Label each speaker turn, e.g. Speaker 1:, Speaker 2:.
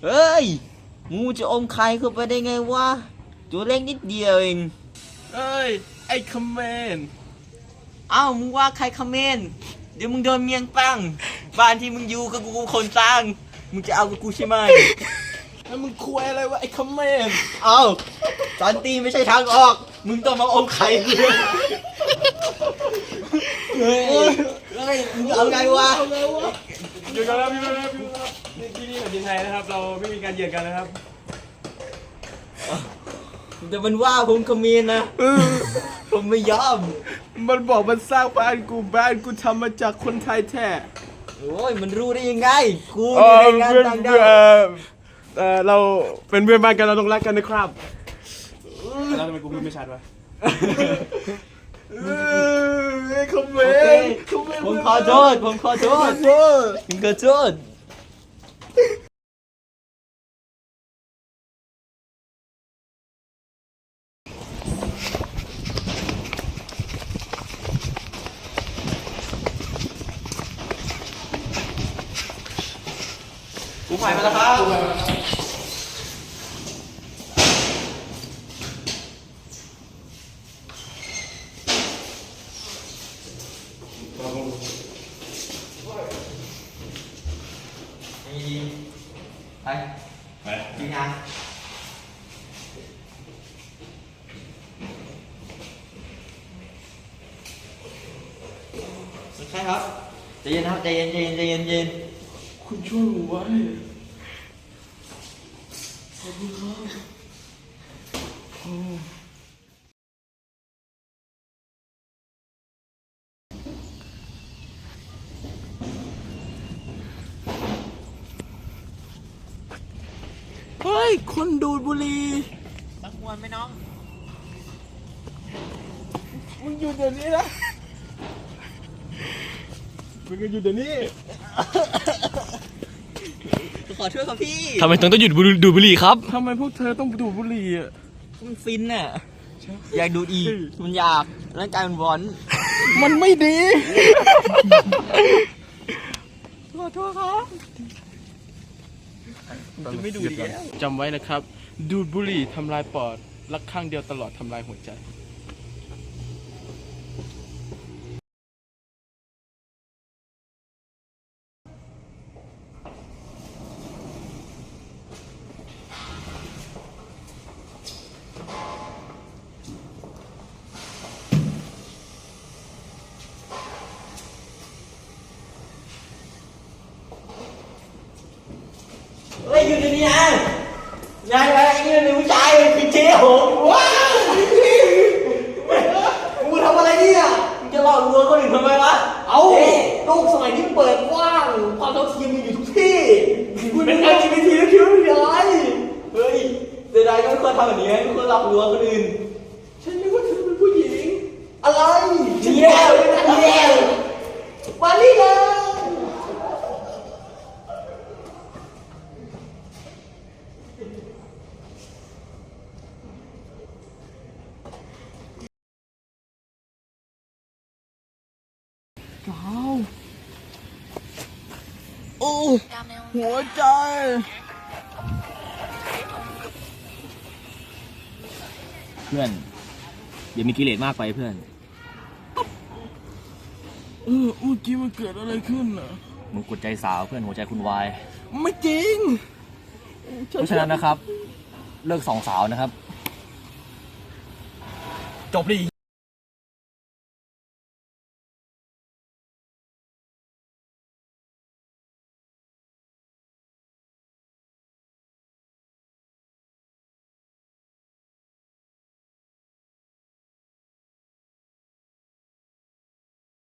Speaker 1: เฮ้ยงูจะอมไข่เข้าไปได้ไงวะตัวเล็กนิดเดียวเอง
Speaker 2: เอ้ยไอ้คอมเมน
Speaker 1: อ้าวมึงว่าใครคอมเมนต์เดี๋ยวมึงโดนเมียงปังบ้านที่มึงอยู่กับกูคนสร้างมึงจะเอากับกูใช่ไหม
Speaker 2: แล้วมึงคุยอะไรวะไอ้คอมเมน
Speaker 1: เอาสันติไม่ใช่ทางออกมึงต้องมาอมไข่กูเฮ้ยมึงเอาไงวะ
Speaker 2: หยุดกันแล้วพี่ครับที่นี่แผ่นดินไทยนะครับเราไม่มีการเหยียดกันนะครับ
Speaker 1: แต่มันว่าผมคอมเมนต์นะผมไม่ยอม
Speaker 2: มันบอกมันสร้างบ้านกูทำมาจากคนไทยแท้
Speaker 1: โอ้ยมันรู้ได้ยังไงกูอยู่ในงานต่างดาว
Speaker 2: เราเป็นเพื่อนบ้านกันเราต้องรักกันนะครับแล้วทำไมกูพูดไม่ชัดวะคอมเมนต์
Speaker 1: ผมขอโทษผมขอโทษกูใหม่มาแล้วครับไปกินยาใช่ครับใจเย็นครับใจเย็น
Speaker 2: คุณช่วยผมไว้ขอบคุณครับเฮ้ยคนดูดบุหรี่
Speaker 1: ตักมวนไหมน้อง
Speaker 2: มึงหยุดเดี๋ยวนี้นะมึงก็หยุดเดี๋ยวนี้
Speaker 1: ขอโทษครับพี่
Speaker 3: ทำไมต้องหยุดดูดบุหรี่ครับ
Speaker 2: ทำไมพวกเธอต้องดูดบุหรี่อ่ะ
Speaker 1: มันฟินน่ะอยากดูดอีกมันอยากร่างกายมันร้อน
Speaker 2: มันไม่ดี
Speaker 1: ขอโทษครับจะไม่ดูดแล้ว
Speaker 2: จำไว้นะครับ ดูดบุหรี่ทำลายปอดรักข้างเดียวตลอดทำลายหัวใจ
Speaker 1: เฮ้ยอยู่ในนี้นะนายอะไรนี่เป็นผู้ชายเป็นเจ๊หงว้าวมึงทำอะไรเนี่ยมึงจะหลอกลวงคนอื่นทำไมวะเอาโลกสมัยนี้เปิดกว้างความเท่าเทียมมีอยู่ทุกที่เป็น LGBT แล้วคิดว่าเป็นอะไรเฮ้ยเดี๋ยวใดก็ไม่ควรทำแบบนี้ไม่ควรหลอกลวงคนอื่น
Speaker 2: ฉันนึกว่าเธอเป็นผู้หญิง
Speaker 1: อะไรเดียวมานี่เลย
Speaker 2: โอ้หัวใจ
Speaker 3: เพื่อนอย่ามีกิเลสมากไปเพื่อน
Speaker 2: เมื่อกี้มันเกิดอะไรขึ้นน่ะ
Speaker 3: มึงกดใจสาวเพื่อนหัวใจคุณวาย
Speaker 2: ไม่จริง
Speaker 3: เพราะฉะนั้นนะครับเลิกสองสาวนะครับจบดี